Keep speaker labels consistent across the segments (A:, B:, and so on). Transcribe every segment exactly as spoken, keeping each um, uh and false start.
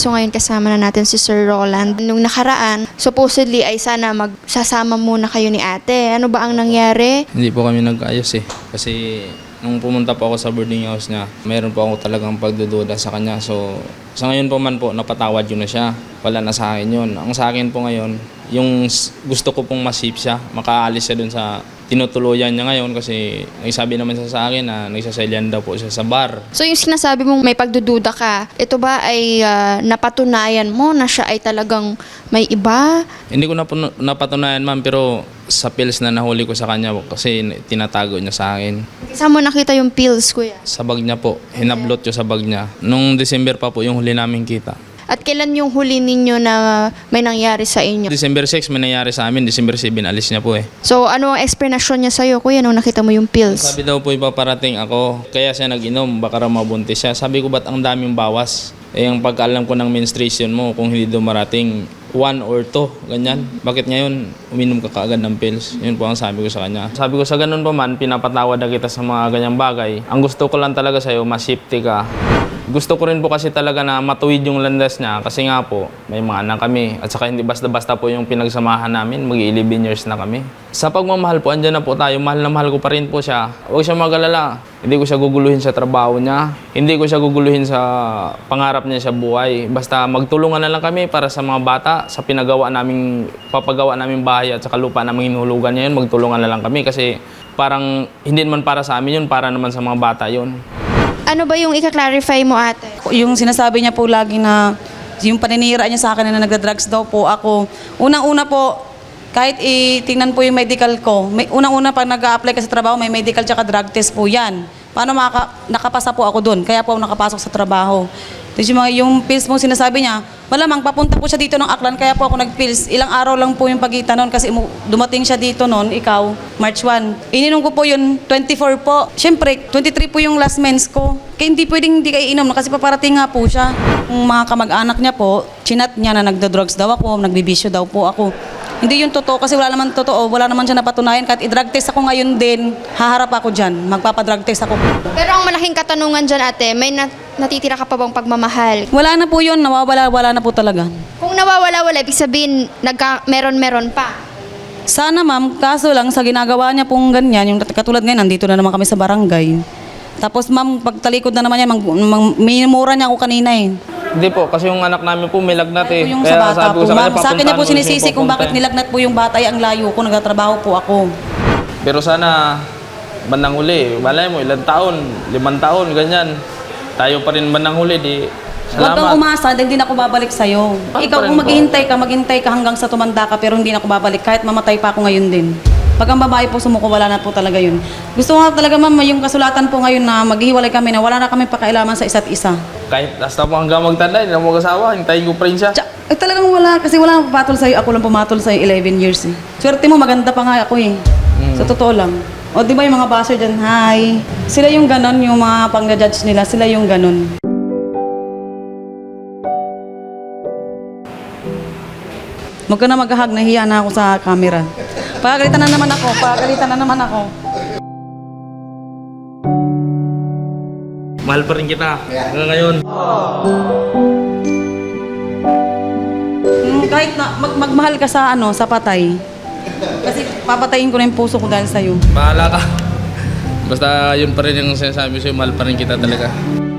A: So ngayon kasama na natin si Sir Roland. Nung nakaraan, supposedly ay sana magsasama muna kayo ni ate. Ano ba ang nangyari?
B: Hindi po kami nag-ayos eh. Kasi nung pumunta po ako sa boarding house niya, mayroon po ako talagang pagdududa sa kanya. So sa ngayon po man po, napatawad yun na siya. Wala na sa akin yun. Ang sa akin po ngayon, yung gusto ko pong masip siya, makaalis siya dun sa tinutuluyan niya ngayon kasi nagsabi naman siya sa akin na nagsaselyan daw po siya sa bar.
A: So yung sinasabi mong may pagdududa ka, ito ba ay uh, napatunayan mo na siya ay talagang may iba?
B: Hindi ko napun- napatunayan ma'am, pero sa pills na nahuli ko sa kanya kasi tinatago niya sa akin.
A: Saan mo nakita yung pills, kuya?
B: Sa bag niya po, hinablot ko sa bag niya. Nung December pa po yung huli namin kita.
A: At kailan yung huli ninyo na may nangyari sa inyo?
B: December six may nangyari sa amin, December seven alis niya po eh.
A: So ano ang explanation niya sa'yo, kuya, nung nakita mo yung pills?
B: Sabi daw po ipaparating ako, kaya siya nag-inom, baka raw mabuntis siya. Sabi ko, ba't ang daming bawas? Eh, ang pagkaalam ko ng menstruation mo, kung hindi dumarating, one or two, ganyan. Bakit ngayon, uminom ka kaagad ng pills? Yun po ang sabi ko sa kanya. Sabi ko, sa ganun pa man, pinapatawad na kita sa mga ganyang bagay. Ang gusto ko lang talaga sa'yo, masipti ka. Gusto ko rin po kasi talaga na matuwid yung landas niya kasi nga po, may mga anak kami. At saka hindi basta-basta po yung pinagsamahan namin, mag-eleven years na kami. Sa pagmamahal po, andyan na po tayo. Mahal na mahal ko pa rin po siya. Huwag siya mag-alala. Hindi ko siya guguluhin sa trabaho niya. Hindi ko siya guguluhin sa pangarap niya sa buhay. Basta magtulungan na lang kami para sa mga bata, sa pinagawa naming, papagawa naming bahay at saka lupa naming hinulugan niya yun, magtulungan na lang kami kasi parang hindi naman para sa amin yun, para naman sa mga bata yun.
A: Ano ba yung ika-clarify mo, ate?
C: Yung sinasabi niya po lagi na yung paninira niya sa akin na nagda-drugs daw po ako. Unang-una po, kahit itingnan po yung medical ko, may, unang-una pag nag-a-apply ka sa trabaho, may medical tsaka drug test po yan. Paano maka, nakapasa po ako doon? Kaya po ako nakapasok sa trabaho. Tapos yung, mga, yung pills mo sinasabi niya, malamang papunta po siya dito ng Aklan, kaya po ako nag-pills. Ilang araw lang po yung pagitan noon kasi dumating siya dito noon, ikaw, March first. Ininom ko po yun, twenty-four po. Siyempre, twenty-three po yung last mens ko. Kaya hindi pwedeng hindi kayo inom kasi paparating nga po siya. Yung mga kamag-anak niya po, chinat niya na nagda-drugs daw ako, nagbibisyo daw po ako. Hindi yun totoo kasi wala naman totoo, wala naman siya napatunayan. Kahit i-drug test ako ngayon din, haharap ako dyan, magpapadrug test ako.
A: Pero ang malaking katanungan dyan, ate, may nat- natitira ka pa bang pagmamahal?
C: Wala na po yun, nawawala-wala na po talaga.
A: Kung nawawala-wala, ibig sabihin, nagka- meron-meron pa.
C: Sana ma'am, kaso lang sa ginagawa niya pong ganyan, yung katulad ngayon, nandito na naman kami sa barangay. Tapos ma'am, pagtalikod na naman yan, mag, mag, minumura niya ako kanina eh.
B: Hindi po, kasi yung anak namin po may lagnat eh.
C: Yung sa bata
B: sabi ko
C: po,
B: sa kanya,
C: ma'am, sa akin niya po
B: papuntahan mo
C: sinisisi
B: siya
C: kung bakit
B: papunta.
C: nilagnat po yung bata, ay ang layo ko, nagtatrabaho po ako.
B: Pero sana, bandang huli, malay mo, ilang taon, limang taon, ganyan. Tayo pa rin bandang huli, di
C: Huwag kang
B: salamat.
C: umasa, dahil hindi na ako babalik sa'yo.
B: Paano
C: Ikaw
B: pa rin
C: kung
B: po?
C: maghihintay ka, maghintay ka hanggang sa tumanda ka, pero hindi na ako babalik, kahit mamatay pa ako ngayon din. Pag ang babae po sumuko, wala na po talaga yun. Gusto ko nga talaga ma'am, yung kasulatan po ngayon na maghihiwalay kami na wala na kami pakailaman sa isa't isa.
B: Kahit hasta po hanggang magtanda, hindi na mo mag-asawa, hintayin ko pa rin siya.
C: Tsa, eh, talagang wala, kasi wala nang papatol sa'yo, ako lang pumatol sa'yo eleven years eh. Swerte mo, maganda pa nga ako eh. Sa totoo lang. O di ba yung mga baser dyan, hi. Sila yung ganon, yung mga pang-judge nila, sila yung ganon. Huwag ka na maghahag, nahiya na ako sa camera. Pagalitan na naman ako, pagalitan na naman ako.
B: Mahal pa rin kita, hanggang ngayon.
C: Hmm, kahit na mag magmahal ka sa ano, sa patay. Kasi papatayin ko na yung puso ko dahil sa'yo.
B: Bahala ka. Basta yun pa rin yung sinasabi sa'yo, mahal pa rin kita talaga.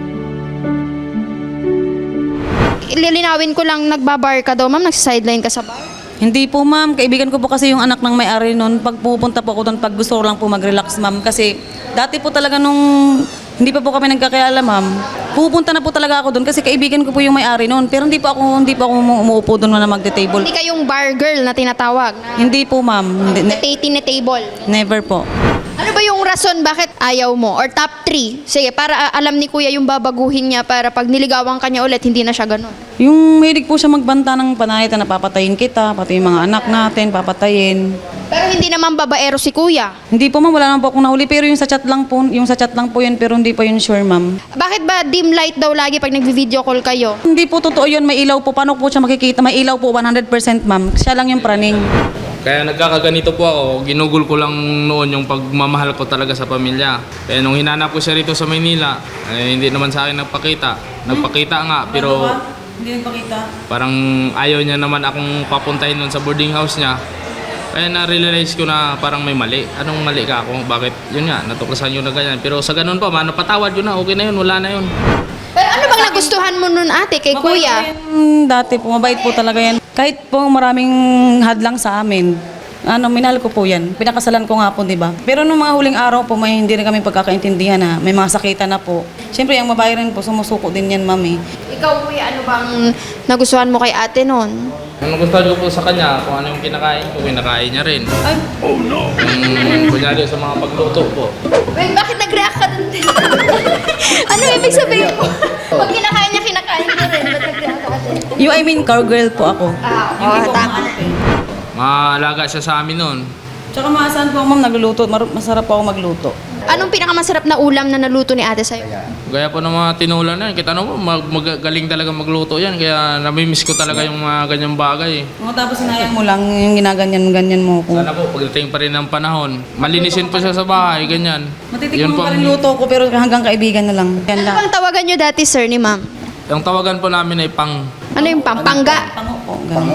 A: Lilinawin ko lang, nagbabar ka daw, ma'am, nagsideline ka sa bar?
C: Hindi po ma'am, kaibigan ko po kasi yung anak ng may-ari noon. Pag pupunta po ako doon, pag gusto ko lang po mag-relax ma'am. Kasi dati po talaga nung hindi pa po kami nagkakilala ma'am, pupunta na po talaga ako doon kasi kaibigan ko po yung may-ari noon. Pero hindi po ako, hindi po ako umuupo doon na magte-table.
A: Hindi kayong bar girl na tinatawag? Na
C: Hindi po ma'am, Hindi- ne-
A: Natati na table?
C: never po.
A: Ano ba yung rason bakit ayaw mo? Or top three? Sige, para ah, alam ni kuya yung babaguhin niya para pag niligawan ka niya ulit, hindi na siya ganun.
C: Yung mahilig po siya magbanta ng panayat na papatayin kita, pati yung mga anak natin, papatayin.
A: Pero hindi naman babaero si kuya.
C: Hindi po ma'am, wala naman po akong nahuli. Pero yung sa chat lang po, yung sa chat lang po yun, pero hindi po yun sure ma'am.
A: Bakit ba dim light daw lagi pag nagvi-video call kayo?
C: Hindi po totoo yun, may ilaw po. Paano po siya makikita? May ilaw po one hundred percent ma'am. Siya lang yung praning.
B: Kaya nagkakaganito po ako, ginugol ko lang noon yung pagmamahal ko talaga sa pamilya. Kaya nung hinanap ko siya rito sa Maynila, eh, hindi naman sa akin nagpakita. Nagpakita nga, pero
C: Hindi nagpakita.
B: Parang ayaw niya naman akong papuntahin nun sa boarding house niya. Kaya na-realize ko na parang may mali. Anong mali ka ako? Bakit? Yun nga, natuklasan yun na ganyan. Pero sa ganun pa, man, napatawad yun na. Okay na yun, wala na yun.
A: Pero ano bang nagustuhan mo nun ate kay
C: Mabait
A: kuya?
C: po yan dati po, mabait po talaga yan. Kahit po maraming hadlang sa amin, ano, minahal ko po yan. Pinakasalan ko nga po, di ba? Pero nung mga huling araw po, may hindi rin kami pagkakaintindihan na may mga sakitan na po. Siyempre, ang babae rin po, sumusuko din yan, mami.
A: Ikaw kuya, ano bang nagustuhan mo kay ate nun?
B: Ang gusto ko po sa kanya, kung ano yung kinakain ko, kinakain niya rin.
C: Ay,
B: Yung kunyari sa mga pagluto po.
A: Wait, bakit nag-react ka dun? Ano ibig sabihin ko? Pag kinakain niya, kinakain ko rin. Ba't nag-react ka ate?
C: you, I mean, cowgirl po ako.
A: Ah,
C: Hindi
A: oo,
C: po
A: tama.
C: ate.
B: Maalaga siya sa amin nun.
C: Tsaka maasahan po ako, ma'am, nagluluto. Mar- masarap po ako magluto.
A: Anong pinakamasarap na ulam na naluto ni ate sa'yo?
B: Gaya po ng mga tinulan na yan. Kita mo, mag- magaling talaga magluto yan. Kaya namimiss ko talaga yung mga ganyang bagay.
C: Mga tapos sinayang mo lang yung ginaganyan-ganyan mo ko.
B: Sana po, pagdating pa rin ng panahon, malinisin po siya sa bahay, ganyan.
C: Matitikman
B: po
C: pa
B: ang-
C: rin luto ko pero hanggang kaibigan na lang. Yan
A: Ano
C: lang.
A: bang tawagan niyo dati sir ni ma'am?
B: Yung tawagan po namin ay pang.
A: Ano yung pampangga?
C: Pango po, ganun.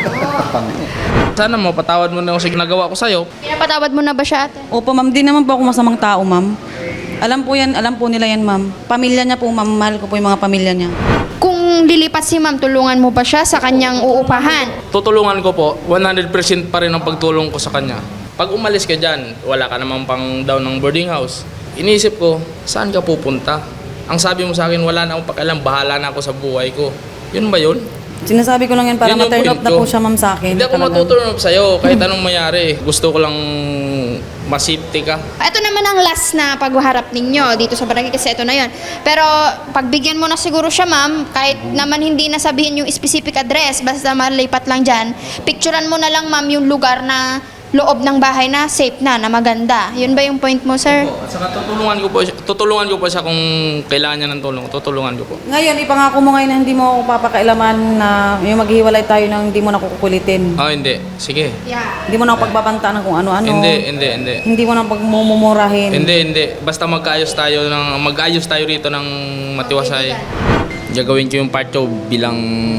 B: Sana mo, patawad mo na ako sa ginagawa ko sa'yo.
A: Pinapatawad mo na ba siya ate?
C: Opo, ma'am, di naman po ako masamang tao, ma'am. Alam po yan, alam po nila yan, ma'am. Pamilya niya po, ma'am. Mahal ko po yung mga pamilya niya.
A: Kung lilipat si ma'am, tulungan mo ba siya sa kanyang uupahan?
B: Tutulungan ko po, one hundred percent pa rin ang pagtulong ko sa kanya. Pag umalis ka dyan, wala ka namang pang down ng boarding house. Iniisip ko, saan ka pupunta? Ang sabi mo sa akin, wala na akong pakialam, bahala na ako sa buhay ko. Yun ba yun?
C: Sinasabi ko lang yan para
B: Yun yung
C: ma-turn
B: point
C: off na
B: ko.
C: po siya, ma'am, sa akin.
B: Hindi ako
C: Talagang.
B: matuturn off sa'yo, kahit anong mayari. Gusto ko lang masipti ka.
A: Ito naman ang last na pagharap ninyo dito sa barangay kasi ito na yon. Pero pagbigyan mo na siguro siya ma'am, kahit naman hindi nasabihin yung specific address, basta malipat lang dyan, picturean mo na lang ma'am yung lugar na loob ng bahay na safe na, na maganda. Yun ba yung point mo, sir?
B: At saka tutulungan ko po siya, tutulungan ko po siya kung kailangan niya ng tulong. Tutulungan ko po.
C: Ngayon, ipangako mo ngayon na hindi mo ako papakailaman na yung maghiwalay tayo nang hindi mo na kukulitin.
B: Oh, hindi. Sige.
A: Yeah.
C: Hindi mo na ako pagbabantaan ng kung ano-ano.
B: Hindi, hindi, hindi.
C: Hindi mo na pagmumurahin.
B: Hindi, hindi. Basta magkaayos tayo ng mag-ayos tayo rito ng matiwasay. Gagawin ko yung part ko bilang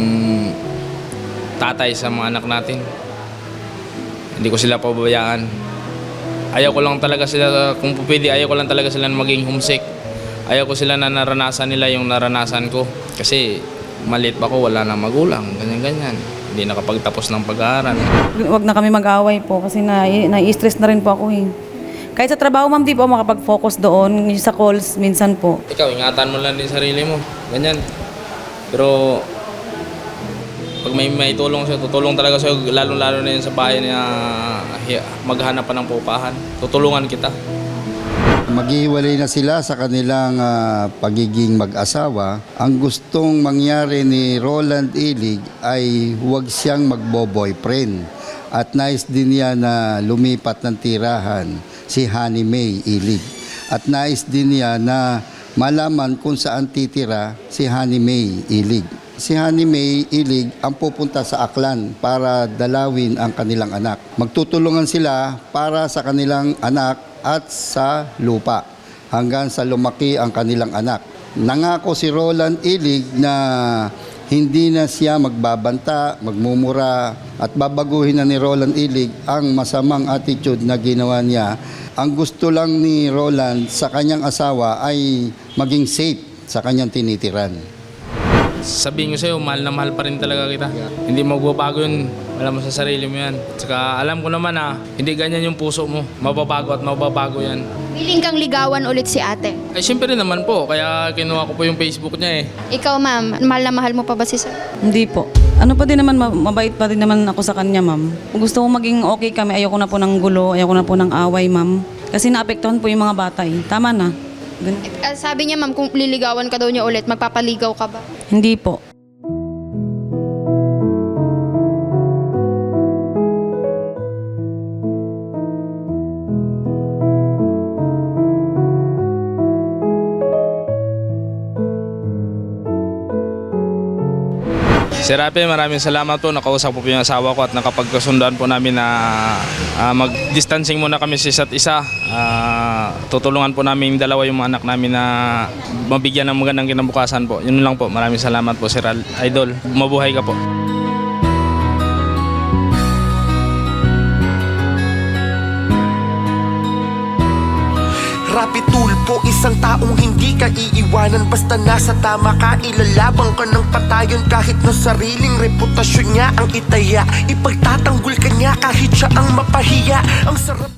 B: tatay sa mga anak natin. Hindi ko sila pababayaan. Ayaw ko lang talaga sila, kung pwede, ayaw ko lang talaga sila na maging homesick. Ayaw ko sila na naranasan nila yung naranasan ko. Kasi maliit pa ko, wala na magulang, ganyan-ganyan. Hindi nakapagtapos ng pag-aaral.
C: Huwag na kami mag-away po kasi na, na-stress na rin po ako eh. Kahit sa trabaho, ma'am, di po ako makapag-focus doon. Sa calls, minsan po.
B: Ikaw, ingatan mo lang din sarili mo. Ganyan. Pero pag may may tulong sa'yo, tutulong talaga sa'yo, lalo-lalo na yun sa bahay na hi- maghanap pa ng pupahan. Tutulungan kita.
D: Maghihiwalay na sila sa kanilang ah, pagiging mag-asawa. Ang gustong mangyari ni Roland Ilig ay huwag siyang magbo-boyfriend. At nais din niya na lumipat ng tirahan si Honey May Ilig. At nais din niya na malaman kung saan titira si Honey May Ilig. Si Honey May Ilig ang pupunta sa Aklan para dalawin ang kanilang anak. Magtutulungan sila para sa kanilang anak at sa lupa hanggang sa lumaki ang kanilang anak. Nangako si Roland Ilig na hindi na siya magbabanta, magmumura at babaguhin na ni Roland Ilig ang masamang attitude na ginawa niya. Ang gusto lang ni Roland sa kanyang asawa ay maging safe sa kanyang tinitiran.
B: Sabihin ko sa'yo, mahal na mahal pa rin talaga kita. Hindi magbabago yun. Alam mo sa sarili mo yan. Saka alam ko naman na hindi ganyan yung puso mo. Mababago at mababago yan.
A: Willing kang ligawan ulit si ate.
B: Ay, syempre naman po. Kaya kinuha ko po yung Facebook niya eh.
A: Ikaw ma'am, mahal na mahal mo pa ba si sir?
C: Hindi po. Ano pa din naman, ma- mabait pa din naman ako sa kanya, ma'am. Kung gusto ko maging okay kami, ayoko na po ng gulo, ayoko na po ng away, ma'am. Kasi naapektuhan po yung mga bata eh. Tama na. Gan-
A: Eh, sabi niya ma'am, kung liligawan ka daw niya ulit, magpapaligaw ka ba?
C: Hindi po.
B: Sir Rafi, maraming salamat po. Nakausap po po yung asawa ko at nakapagkasundan po namin na ah, mag-distancing muna kami sa isa't isa. Ah, tutulungan po namin yung dalawa yung mga anak namin na mabigyan ng magandang kinabukasan po. Yun lang po. Maraming salamat po, Sir Idol. Mabuhay ka po.
E: Rapi Tulfo, isang taong hindi ka iiwanan. Basta nasa tama ka, ilalabang ka ng patayon. Kahit na sariling reputasyon niya ang itaya, ipagtatanggol ka niya kahit siya ang mapahiya. Ang sarap